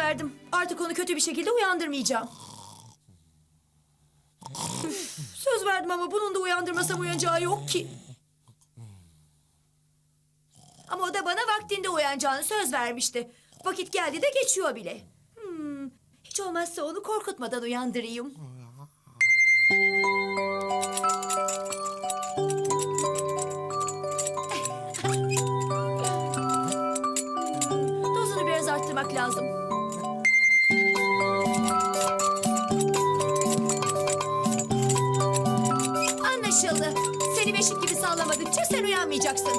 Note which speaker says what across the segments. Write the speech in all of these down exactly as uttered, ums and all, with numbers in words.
Speaker 1: verdim. Artık onu kötü bir şekilde uyandırmayacağım. Üf, söz verdim ama bunun da uyandırmasam uyanacağı yok ki. Ama o da bana vaktinde uyanacağını söz vermişti. Vakit geldi de geçiyor bile. Hmm, hiç olmazsa onu korkutmadan uyandırayım. Dozunu biraz arttırmak lazım. Anlaşıldı. Seni beşik gibi sallamadıkça sen uyanmayacaksın.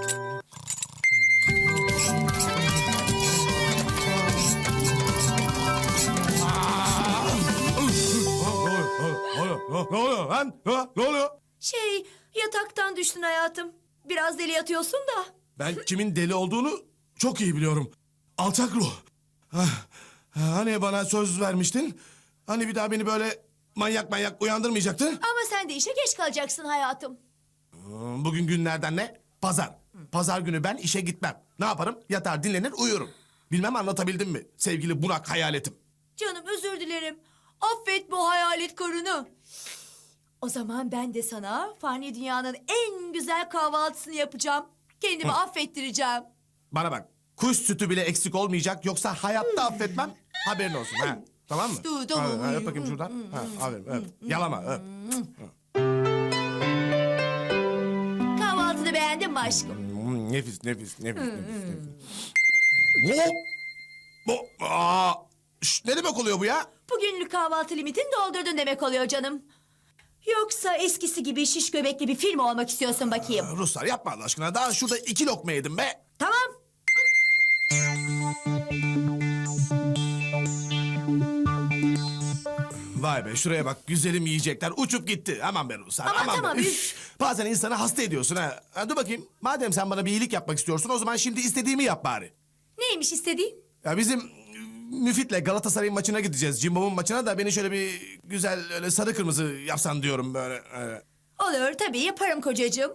Speaker 2: Ne oluyor lan? Ha, ne oluyor?
Speaker 1: Şey, yataktan düştün hayatım. Biraz deli yatıyorsun da.
Speaker 2: Ben kimin deli olduğunu çok iyi biliyorum. Alçak ruh. Ah, Hani bana söz vermiştin? Hani bir daha beni böyle manyak manyak uyandırmayacaktın?
Speaker 1: Ama sen de işe geç kalacaksın hayatım.
Speaker 2: Hmm, Bugün günlerden ne? Pazar. Pazar günü ben işe gitmem. Ne yaparım? Yatar, dinlenir, uyurum. Bilmem anlatabildim mi? Sevgili Burak hayaletim.
Speaker 1: Canım özür dilerim. Affet bu hayalet karını. O zaman ben de sana fani dünyanın en güzel kahvaltısını yapacağım. Kendimi affettireceğim.
Speaker 2: Bana bak. Kuş sütü bile eksik olmayacak. Yoksa hayatta affetmem. Haberin olsun ha. Tamam mı?
Speaker 1: Dur, dur.
Speaker 2: Ha, ha, öp bakayım şuradan. Ha, aferin, öp. Yalama, öp.
Speaker 1: Kahvaltını beğendin mi aşkım?
Speaker 2: Hmm, nefis, nefis, nefis, nefis, nefis. Hop! Bu, aa, şş, ne demek oluyor bu ya?
Speaker 1: Bugünlük kahvaltı limitini doldurdun demek oluyor canım. Yoksa eskisi gibi şiş göbekli bir film olmak istiyorsun bakayım.
Speaker 2: Ruslar yapma Allah aşkına. Daha şurada iki lokma yedim be.
Speaker 1: Tamam.
Speaker 2: Vay be şuraya bak güzelim yiyecekler uçup gitti. Aman be Ruslar
Speaker 1: Aman
Speaker 2: aman
Speaker 1: tamam,
Speaker 2: be.
Speaker 1: üf.
Speaker 2: Üf. Bazen insanı hasta ediyorsun ha. ha. Dur bakayım madem sen bana bir iyilik yapmak istiyorsun o zaman şimdi istediğimi yap bari.
Speaker 1: Neymiş istediğin?
Speaker 2: Ya bizim e, Müfit'le Galatasaray'ın maçına gideceğiz. Cimbom'un maçına da beni şöyle bir güzel öyle sarı kırmızı yapsan diyorum böyle. öyle.
Speaker 1: Olur tabii yaparım kocacığım.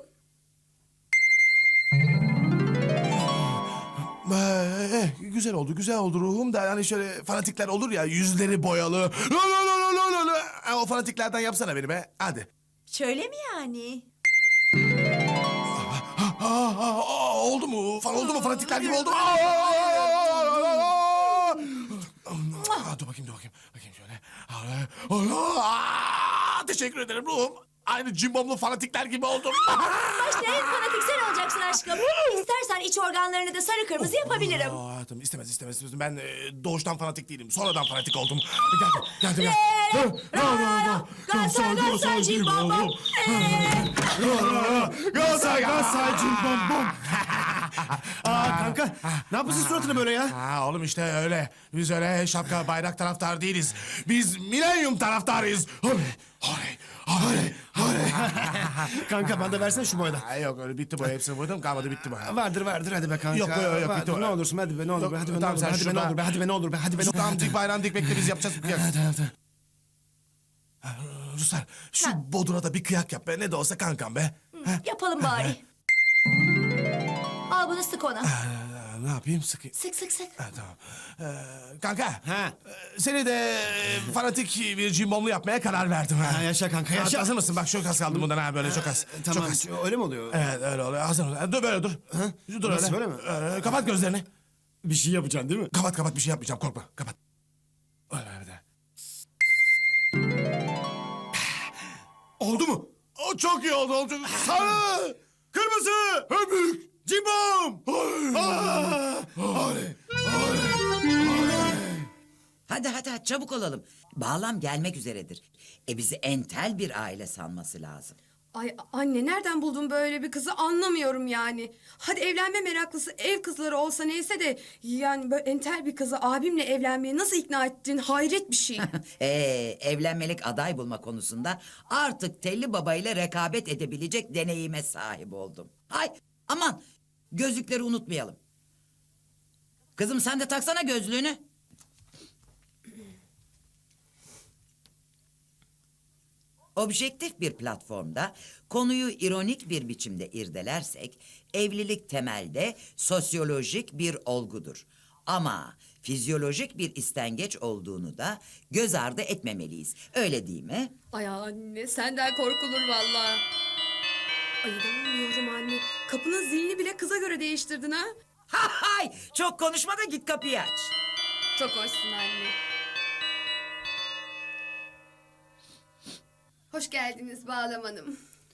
Speaker 2: Ee, güzel oldu, güzel oldu ruhum da hani şöyle fanatikler olur ya yüzleri boyalı. La la la la la la la. Ha, o fanatiklerden yapsana beni be. Hadi.
Speaker 1: Şöyle mi yani?
Speaker 2: Ha, ha, ha, aa, oldu mu? Fan oldu mu? Fanatikler gibi oldu mu? Aa, aa, aa, aa. Aa, dur bakayım, dur bakayım. Bakayım şöyle. Aa, teşekkür ederim ruhum. Aynı cimbomlu fanatikler gibi oldum.
Speaker 1: Başta en fanatik sen olacaksın aşkım. İstersen iç organlarını da sarı kırmızı yapabilirim.
Speaker 2: Aa, hayatım istemez istemez istemez. Ben e, doğuştan fanatik değilim. Sonradan fanatik oldum. Geldim geldim.
Speaker 1: Re, ra, Galatasaray, Galatasaray, cimbom, bom.
Speaker 2: Galatasaray Galatasaray cimbom bom.
Speaker 3: Aa kanka, ne yapıyorsun suratına böyle ya?
Speaker 2: Ha oğlum işte öyle. Biz öyle şapka bayrak taraftar değiliz. Biz milenyum taraftarıyız. Oley oley oley oley.
Speaker 3: Kanka bana da versene şu boyada.
Speaker 2: Ha, yok öyle bitti boya hepsini boyadım kalmadı bitti boya.
Speaker 3: Vardır vardır hadi be kanka.
Speaker 2: Yok, yok, yok,
Speaker 3: Vardır,
Speaker 2: bitti o.
Speaker 3: ne olursun hadi be ne olur
Speaker 2: Yok,
Speaker 3: be hadi be ne
Speaker 2: tamam,
Speaker 3: olur be
Speaker 2: sen
Speaker 3: hadi be ne
Speaker 2: şurada-
Speaker 3: olur be hadi be ne olur be hadi be ne olur be.
Speaker 2: Tamam dik bayrağını dik bekle biz yapacağız bir kıyak.
Speaker 3: Hadi hadi.
Speaker 2: Ha, Ruslar şu Bodur'a da bir kıyak yap be ne de olsa kankam be. Ha,
Speaker 1: Yapalım bari. Al bunu sık ona.
Speaker 2: Ee, ne yapayım sıkayım.
Speaker 1: Sık sık sık.
Speaker 2: Ha, tamam. Ee, kanka.
Speaker 3: Ha.
Speaker 2: e, Seni de e, fanatik bir cimbomlu yapmaya karar verdim. Ha.
Speaker 3: Ha, yaşa kanka, yaşa.
Speaker 2: Ha, Hazır mısın? Bak çok az kaldı bundan ha böyle çok az.
Speaker 3: Ee, Tamam
Speaker 2: Çok az.
Speaker 3: öyle mi oluyor?
Speaker 2: Evet öyle oluyor. Hazır ol. Dur böyle dur. Dur
Speaker 3: Nasıl,
Speaker 2: öyle.
Speaker 3: böyle mi?
Speaker 2: Ee, kapat gözlerini.
Speaker 3: Bir şey yapacaksın değil mi?
Speaker 2: Kapat kapat bir şey yapmayacağım korkma. Kapat. Öyle öyle.
Speaker 3: Oldu mu?
Speaker 2: O çok iyi oldu. oldu. Sarı.
Speaker 3: Kırmızı!
Speaker 2: En büyük.
Speaker 3: Cimbom!
Speaker 4: Hadi hadi hadi, çabuk olalım. Bağlam gelmek üzeredir. E bizi entel bir aile sanması lazım.
Speaker 5: Ay anne nereden buldun böyle bir kızı anlamıyorum yani. Hadi evlenme meraklısı ev kızları olsa neyse de yani böyle entel bir kızı abimle evlenmeye nasıl ikna ettin hayret bir şey.
Speaker 4: Ee, evlenmelik aday bulma konusunda artık Telli Baba ile rekabet edebilecek deneyime sahip oldum. Ay aman, gözlükleri unutmayalım. Kızım sen de taksana gözlüğünü. Objektif bir platformda konuyu ironik bir biçimde irdelersek evlilik temelde sosyolojik bir olgudur. Ama fizyolojik bir istengeç olduğunu da göz ardı etmemeliyiz. Öyle değil mi?
Speaker 5: Ay anne senden korkulur vallahi. Ay inanmıyorum anne. Kapının zilini bile kıza göre değiştirdin ha.
Speaker 4: Hay! Çok konuşma da git kapıyı aç.
Speaker 5: Çok hoşsun anne. Hoş geldiniz Bağlam Hanım.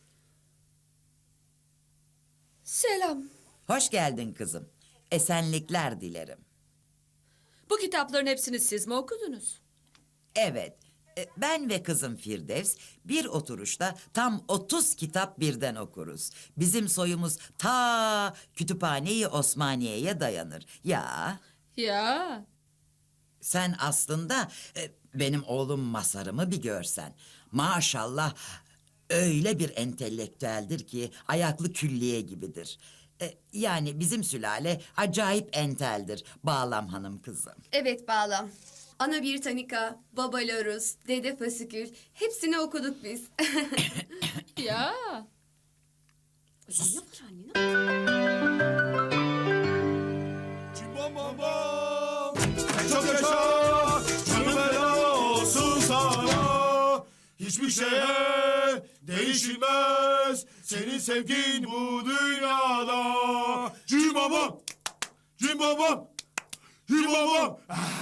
Speaker 5: Selam.
Speaker 4: Hoş geldin kızım. Esenlikler dilerim.
Speaker 6: Bu kitapların hepsini siz mi okudunuz?
Speaker 4: Evet, e, ben ve kızım Firdevs bir oturuşta tam otuz kitap birden okuruz. Bizim soyumuz ta Kütüphane-i Osmaniye'ye dayanır. Ya
Speaker 6: Ya.
Speaker 4: sen aslında e, benim oğlum Masar'ımı bir görsen. Maşallah öyle bir entelektüeldir ki ayaklı külliye gibidir. E, yani bizim sülale acayip enteldir Bağlam Hanım kızım.
Speaker 5: Evet Bağlam. Ana Britannica, Baba Larus, Dede Fasikül hepsini okuduk biz.
Speaker 6: Ya.
Speaker 5: Ne var anne? Ne
Speaker 2: Cimbom bom bom. Çok yaşa. Canım feda olsun sana. Hiçbir şeye değişilmez. Senin sevgin bu dünyada. Cimbom bom. Cimbom bom. Cimbom bom.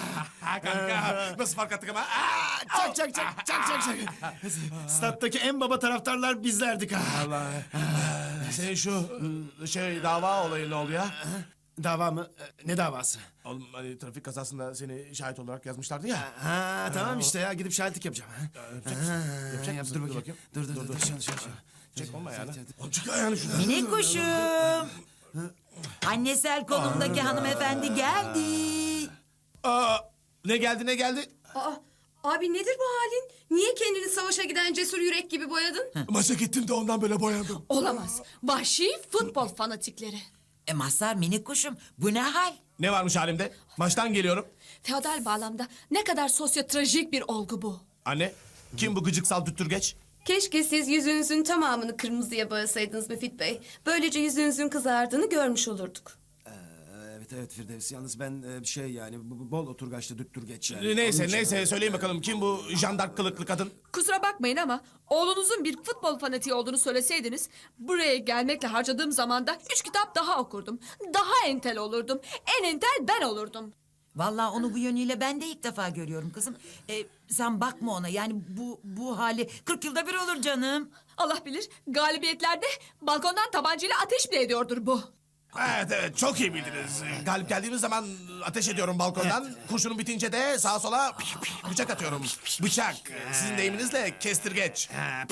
Speaker 2: Kanka nasıl fark attık ama? Aa,
Speaker 3: Çak çak çak çak çak çak. Stat'taki en baba taraftarlar bizlerdik ha.
Speaker 2: Allah. Senin şu ıı, şey dava olayı ne oldu ya?
Speaker 3: Dava mı? Ee, Ne davası?
Speaker 2: Oğlum hani trafik kazasında seni şahit olarak yazmışlardı ya.
Speaker 3: Ha tamam işte ya gidip şahitlik yapacağım. Ha.
Speaker 2: Yapacak mısın? Yapacak
Speaker 3: Yap,
Speaker 2: mısın?
Speaker 3: dur bakayım. Dur dur dur. dur. Şöyle şöyle şöyle.
Speaker 2: Çek olma yani. Oğlum çık ayağını şuradan.
Speaker 4: Minik kuşum. Annesel konumdaki hanımefendi geldi.
Speaker 2: Aa, ne geldi ne geldi?
Speaker 5: Aa, abi nedir bu halin? Niye kendini savaşa giden cesur yürek gibi boyadın?
Speaker 2: Maça gittim de ondan böyle boyandım.
Speaker 6: Olamaz. Vahşi futbol fanatikleri.
Speaker 4: E Mazhar minik kuşum bu ne hal?
Speaker 2: Ne varmış halimde? Maçtan geliyorum.
Speaker 6: Feodal bağlamda ne kadar sosyotrajik bir olgu bu.
Speaker 2: Anne, kim bu gıcıksal düttürgeç?
Speaker 5: Keşke siz yüzünüzün tamamını kırmızıya boyasaydınız Müfit Bey. Böylece yüzünüzün kızardığını görmüş olurduk.
Speaker 3: Ee, Evet evet Firdevs. Yalnız ben e, şey yani bu- bu bol oturgaçlı düttür geç yani.
Speaker 2: Neyse
Speaker 3: Onun için-
Speaker 2: neyse söyleyin bakalım kim bu jandark kılıklı kadın?
Speaker 6: Kusura bakmayın ama oğlunuzun bir futbol fanatiği olduğunu söyleseydiniz buraya gelmekle harcadığım zamanda üç kitap daha okurdum. Daha entel olurdum. En entel ben olurdum.
Speaker 4: Vallahi onu bu yönüyle ben de ilk defa görüyorum kızım. E, sen bakma ona yani bu bu hali kırk yılda bir olur canım.
Speaker 6: Allah bilir galibiyetlerde balkondan tabancayla ateş bile ediyordur bu.
Speaker 2: Evet evet çok iyi bildiniz. Galip geldiğimiz zaman ateş ediyorum balkondan. Kurşunun bitince de sağa sola bıçak atıyorum. Bıçak. Sizin deyiminizle kestirgeç.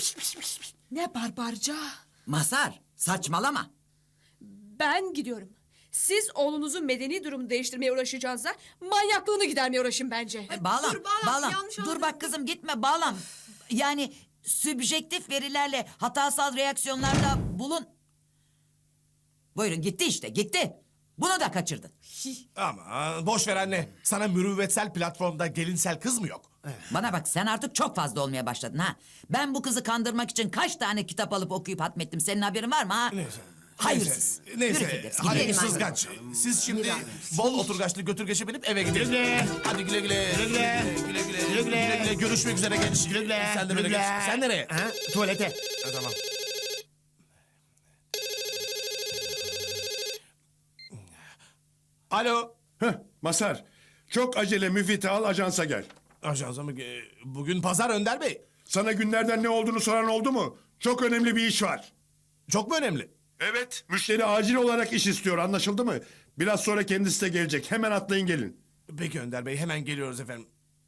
Speaker 6: Ne barbarca.
Speaker 4: Mazhar saçmalama.
Speaker 6: Ben gidiyorum. Siz oğlunuzun medeni durumunu değiştirmeye uğraşacağınıza manyaklığını gidermeye uğraşın bence.
Speaker 4: E, bağlam,
Speaker 5: dur, bağlam,
Speaker 4: bağlam.
Speaker 5: yanlış
Speaker 4: Dur
Speaker 5: anladın.
Speaker 4: bak kızım gitme bağlam. Yani sübjektif verilerle hatasal reaksiyonlarda bulun. Buyurun gitti işte gitti. Bunu da kaçırdın.
Speaker 2: Ama boş ver anne. Sana mürüvvetsel platformda gelinsel kız mı yok?
Speaker 4: Bana bak sen artık çok fazla olmaya başladın ha. Ben bu kızı kandırmak için kaç tane kitap alıp okuyup hatmettim. Senin haberin var mı ha?
Speaker 2: Neyse.
Speaker 4: Hayırsız.
Speaker 2: Neyse. Neyse.
Speaker 4: Yürü Firdevs,
Speaker 2: Hadi
Speaker 4: gidelim.
Speaker 2: sızgaç. Siz şimdi bol oturgaçlı götürgeçe binip eve gidin.
Speaker 3: güle.
Speaker 2: Hadi güle güle. Güle güle. Güle güle. Güle güle. Görüşmek üzere genç.
Speaker 3: Güle güle.
Speaker 2: Sen de böyle
Speaker 3: Güle
Speaker 2: geç.
Speaker 3: güle.
Speaker 2: Sen nereye?
Speaker 3: Ha, tuvalete.
Speaker 2: Ha, tamam. Alo.
Speaker 7: Heh, Masar, çok acele müfiti al ajansa gel.
Speaker 2: Ajansa mı? Ee, Bugün pazar Önder Bey.
Speaker 7: Sana günlerden ne olduğunu soran oldu mu? Çok önemli bir iş var.
Speaker 2: Çok mu önemli?
Speaker 7: Evet. Müşteri acil olarak iş istiyor, anlaşıldı mı? Biraz sonra kendisi de gelecek. Hemen atlayın gelin.
Speaker 2: Peki Önder Bey hemen geliyoruz efendim.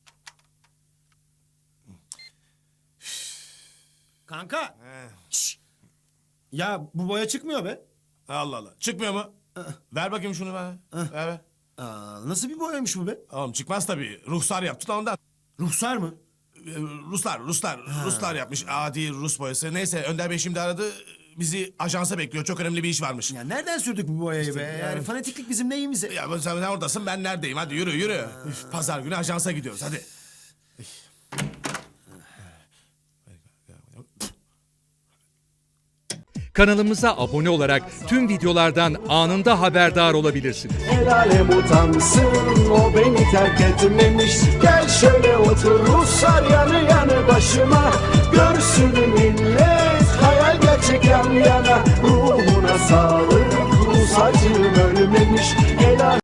Speaker 3: Kanka. Şşş. Ya bu boya çıkmıyor be.
Speaker 2: Allah Allah. Çıkmıyor mu? Ver bakayım şunu bana. Ver ver.
Speaker 3: Aa, nasıl bir boyaymış bu be?
Speaker 2: Oğlum çıkmaz tabii. Ruhsar yaptı da ondan.
Speaker 3: Ruhsar mı?
Speaker 2: Ee, Ruslar, Ruslar, Ruslar yapmış. Adi Rus boyası. Neyse Önder Bey şimdi aradı. Bizi ajansa bekliyor. Çok önemli bir iş varmış.
Speaker 3: Ya nereden sürdük bu boyayı be? Yani fanatiklik bizim neyimize?
Speaker 2: Ya ben- sen oradasın ben neredeyim? Hadi yürü yürü. Üf, Pazar günü ajansa gidiyoruz hadi.
Speaker 8: kanalımıza abone olarak tüm videolardan anında haberdar olabilirsiniz.
Speaker 9: El alem utansın, o beni terk etmemiş. Gel şöyle otur Ruslar yanı yanı başıma. Görsün millet, hayal gerçek yan yana. Ruhuna sağlık, Rus acım ölmemiş. El alem-